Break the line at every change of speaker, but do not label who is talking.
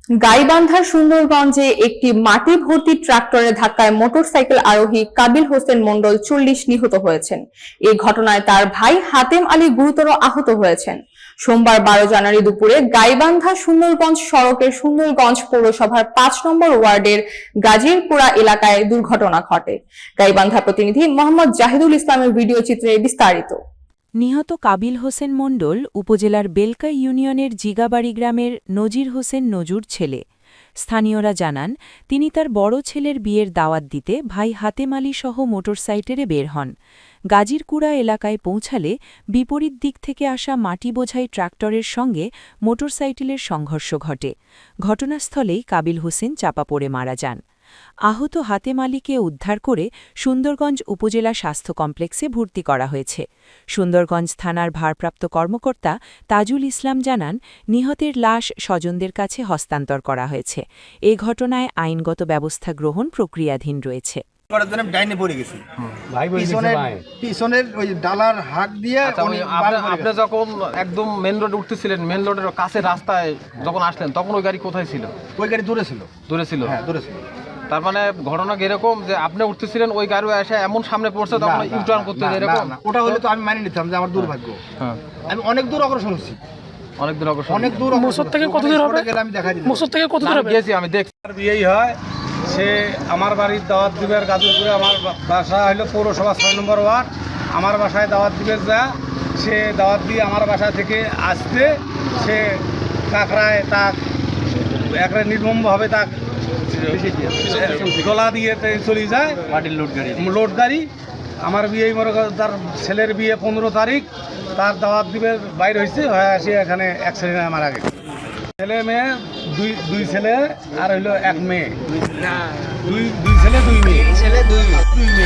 গাইবান্ধার সুন্দরগঞ্জে একটি মাটি ভর্তি ট্রাক্টরের ধাক্কায় মোটরসাইকেল আরোহী কাবিল হোসেন মণ্ডল 40 নিহত হয়েছেন। এই ঘটনায় তার ভাই হাতেম আলী গুরুতর আহত হয়েছেন। সোমবার 12 জানুয়ারি দুপুরে গাইবান্ধা সুন্দরগঞ্জ সড়কের সুন্দরগঞ্জ পৌরসভার 5 নম্বর ওয়ার্ডের গাজীরপুরা এলাকায় দুর্ঘটনা ঘটে। গাইবান্ধা প্রতিনিধি মোহাম্মদ জাহিদুল ইসলামের ভিডিও চিত্রে বিস্তারিত।
নিহত কাবিল হোসেন মণ্ডল উপজেলার বেলকা ইউনিয়নের জিগাবাড়ি গ্রামের নজির হোসেন নজুর ছেলে। স্থানীয়রা জানান, তিনি তার বড় ছেলের বিয়ের দাওয়াত দিতে ভাই হাতেম আলী সহ মোটরসাইকেলে বের হন। গাজীরকুড়া এলাকায় পৌঁছালে বিপরীত দিক থেকে আসা মাটি বোঝাই ট্রাক্টরের সঙ্গে মোটরসাইকেলের সংঘর্ষ ঘটে। ঘটনাস্থলেই কাবিল হোসেন চাপা পড়ে মারা যান। আহত হাতেম আলীকে উদ্ধার করে সুন্দরগঞ্জ উপজেলা স্বাস্থ্য কমপ্লেক্সে ভর্তি করা হয়েছে। সুন্দরগঞ্জ থানার ভারপ্রাপ্ত কর্মকর্তা তাজুল ইসলাম জানান, নিহতের লাশ স্বজনদের কাছে হস্তান্তর করা হয়েছে। এ ঘটনায় আইনগত ব্যবস্থা গ্রহণ প্রক্রিয়াধীন রয়েছে।
পিছনের ওই ডালার হাত দিয়ে
আপনি যখন একদম মেন রোডে উঠতেছিলেন, মেন রোডের কাছে রাস্তায় যখন আসলেন, তখন ওই গাড়ি কোথায় ছিল?
ওই গাড়ি দূরে ছিল।
দূরে ছিল?
হ্যাঁ, দূরে ছিল।
তার মানে ঘটনা এরকম যে আপনি উঠতেছিলেন, ওই গাড়ি এসে এমন সামনে পড়ছে, তখন ইউটার্ন করতে এরকম?
ওটা হলে তো আমি মানি নিতাম যে আমার দুর্ভাগ্য।
হ্যাঁ,
আমি অনেক দূর অগ্রসর হচ্ছি।
অনেক দূর অগ্রসর।
অনেক দূর।
মোসর থেকে কত দূর হবে?
আমি দেখাই দিই।
মোসর থেকে কত দূর হবে?
গেছি, আমি দেখছি।
বিয়েই হয়, সে আমার বাড়ির দাওয়াত দিবের গাজীপুরে, আমার বাসা হলো পৌরসভা 6 নম্বর ওয়ার্ড। আমার বাসায় দাওয়াত দিবে যা, সে দাওয়াত দিয়ে আমার বাসা থেকে আসতে সে কাকড়ায় তাক একবারে নির্মমভাবে তাক গলা দিয়ে চলে যায়।
মাটির
লোড গাড়ি। আমার বিয়ে মনে করেন তার ছেলের বিয়ে 15 তারিখ, তার দাওয়াত দিবে বাইর হয়েছে, হয়ে আসে এখানে অ্যাক্সিডেন্টে মারা গেছে। ছেলে মেয়ে, দুই ছেলে আর হইলো এক মেয়ে। দুই ছেলে দুই মেয়ে।